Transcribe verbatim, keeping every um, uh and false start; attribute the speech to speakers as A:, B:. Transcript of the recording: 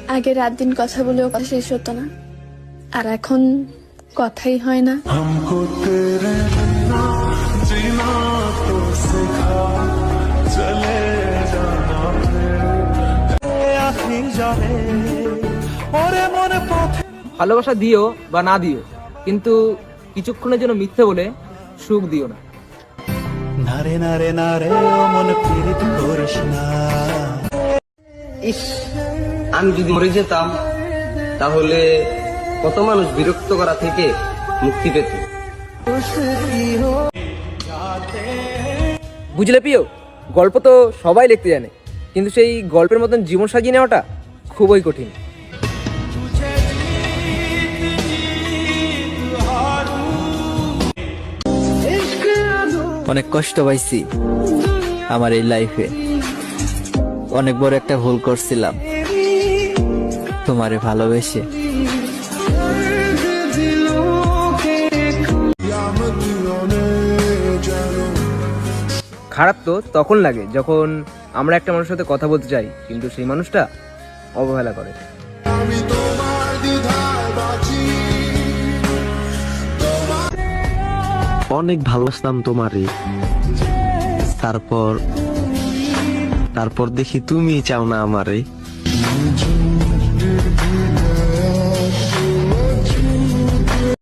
A: আগে রাত দিন কথা বলেও কথা শেষ হতো না, আর এখন কথাই হয় না।
B: ভালোবাসা দিও বা না দিও, কিন্তু কিছুক্ষণের জন্য মিথ্যে বলে সুখ দিও না।
C: নারে নারে নারে মন পীড়িত করিস না।
D: ইস, আমি যদি মরে যেতাম তাহলে কত মানুষ বিরক্ত করা থেকে মুক্তি পেত।
B: বুঝলে প্রিয়, গল্প তো সবাই লিখতে জানে, কিন্তু সেই গল্পের মতন জীবন সাজিয়ে নেওয়াটা খুবই কঠিন।
E: অনেক কষ্ট পাইছি আমার এই লাইফে, অনেক বড় একটা ভুল করছিলাম তোমারে ভালোবেসে।
B: খারাপ তো তখন লাগে যখন আমরা একটা মানুষের সাথে কথা বলতে চাই, কিন্তু সেই মানুষটা অবহেলা করে।
F: অনেক ভালোবাসতাম তোমারে, তারপর তারপর দেখি তুমি চাও না আমারে।